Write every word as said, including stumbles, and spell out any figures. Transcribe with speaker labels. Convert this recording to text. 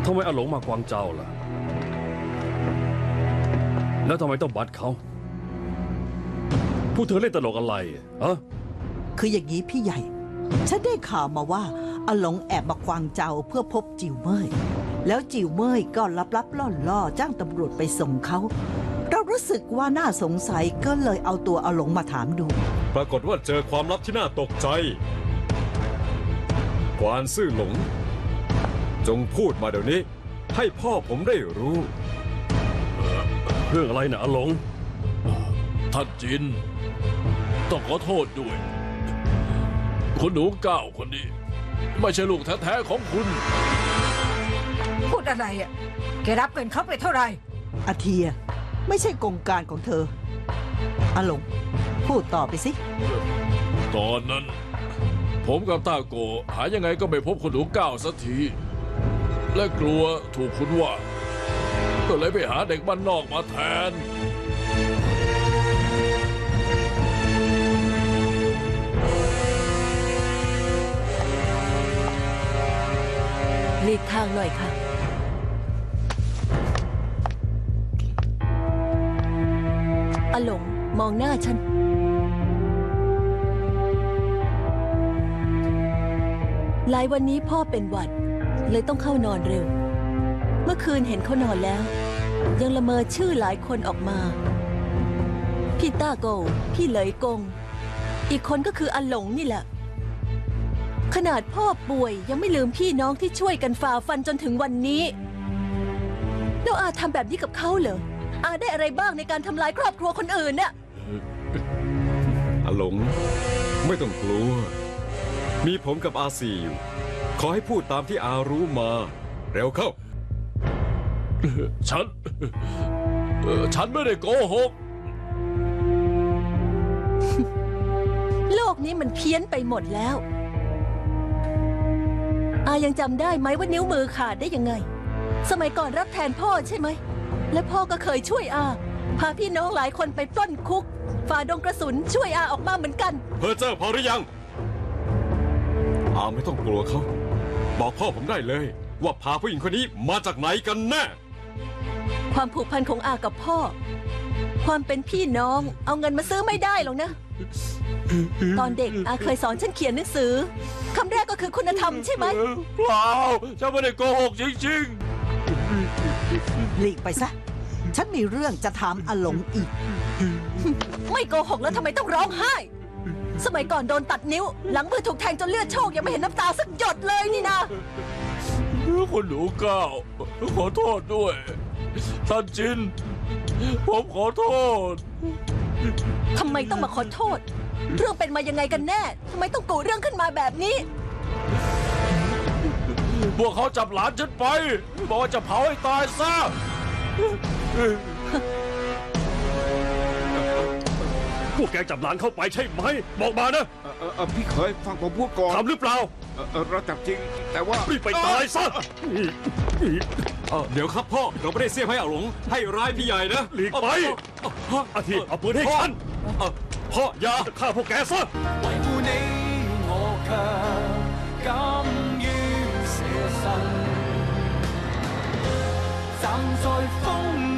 Speaker 1: ทำไมอาหลงมากวางเจ้าล่ะแล้วทำไมต้องบัดเขาผู้เธอเล่นตลกอะไรฮะ
Speaker 2: คืออย่างนี้พี่ใหญ่ฉันได้ข่าวมาว่าอาหลงแอบมากวางเจ้าเพื่อพบจิ๋วเมยแล้วจิ๋วเมยก็ลับๆล่อๆจ้างตำรวจไปส่งเขาเรารู้สึกว่าน่าสงสัยก็เลยเอาตัวอาหลงมาถามดู
Speaker 3: ปรากฏว่าเจอความลับที่น่าตกใจกวานซื่อหลงจงพูดมาเดี๋ยวนี้ให้พ่อผมได้รู้
Speaker 1: เรื่องอะไรนะอาหลง
Speaker 4: ท่านจินต้องขอโทษด้วยคุณหนูเก้าคนนี้ไม่ใช่ลูกแท้ๆของคุณ
Speaker 5: พูดอะไรอ่ะแกรับเงินเขาไปเท่าไหร่
Speaker 2: อาเทียไม่ใช่กงการของเธออาหลงพูดต่อไปสิ
Speaker 4: ตอนนั้นผมกับตาโกหายังไงก็ไม่พบคุณหนูเก้าสักทีและกลัวถูกคุณว่าก็เลยไปหาเด็กบ้านนอกมาแทน
Speaker 6: หลีกทางหน่อยค่ะอาหลงมองหน้าฉันหลายวันนี้พ่อเป็นหวัดเลยต้องเข้านอนเร็วเมื่อคืนเห็นเขานอนแล้วยังละเมอชื่อหลายคนออกมาพี่ต้าโกพี่เหลยกงอีกคนก็คืออาหลงนี่แหละขนาดพ่อป่วยยังไม่ลืมพี่น้องที่ช่วยกันฝ่าฟันจนถึงวันนี้แล้วอาทำแบบนี้กับเขาเหรออาได้อะไรบ้างในการทำลายครอบครัวคนอื่นน่ะ
Speaker 3: อาหลงไม่ต้องกลัวมีผมกับอาซีอยู่ขอให้พูดตามที่อารู้มาเร็วเข้า
Speaker 4: ฉันฉันไม่ได้โกหก
Speaker 6: โลกนี้มันเพี้ยนไปหมดแล้วอายังจำได้ไหมว่านิ้วมือขาดได้ยังไงสมัยก่อนรับแทนพ่อใช่ไหมและพ่อก็เคยช่วยอาพาพี่น้องหลายคนไปปล้นคุกฝ่าดงกระสุนช่วยอาออกมาเหมือนกัน
Speaker 3: เพอเจอพอหรือยังอาไม่ต้องกลัวเขาบอกพ่อผมได้เลยว่าพาผู้หญิงคนนี้มาจากไหนกันแน่
Speaker 6: ความผูกพันของอากับพ่อความเป็นพี่น้องเอาเงินมาซื้อไม่ได้หรอกนะตอนเด็กอาเคยสอนฉันเขียนหนังสือคำแรกก็คือคุณธรรมใช่ไหม
Speaker 4: เปล่าฉันไม่ได้โกหกจริง
Speaker 2: ๆหลีกไปซะฉันมีเรื่องจะถามอาหลงอีก
Speaker 6: ไม่โกหกแล้วทำไมต้องร้องไห้สมัยก่อนโดนตัดนิ้วหลังมือถูกแทงจนเลือดโชกยังไม่เห็นน้ำตาสักหยดเลยนี่นะ
Speaker 4: คุณหนูเก้าขอโทษด้วยท่านจินผมขอโทษ
Speaker 6: ทำไมต้องมาขอโทษเรื่องเป็นมายังไงกันแน่ทำไมต้องกุเรื่องขึ้นมาแบบนี้
Speaker 4: พวกเขาจับหลานฉันไปบอกว่าจะเผาให้ตายซะ
Speaker 1: พวกแกจับหลานเข้าไปใช่ไหมบอกมานะ
Speaker 7: พี่เคยฟังผมพูดก่อน
Speaker 1: ทำหรือเปล่า
Speaker 7: เราจับจริงแต่ว่า
Speaker 1: รีบไปตายซะ
Speaker 3: เดี๋ยวครับพ่อเราไม่ได้เสียบให้อาหลงให้ร้ายพี่ใหญ่นะ
Speaker 1: หลีกไปอาทิเอาปืนให้ฉัน
Speaker 3: พ่ออย่า
Speaker 1: ฆ่าพวกแกซะ
Speaker 8: 維護你我卻甘於捨身站在風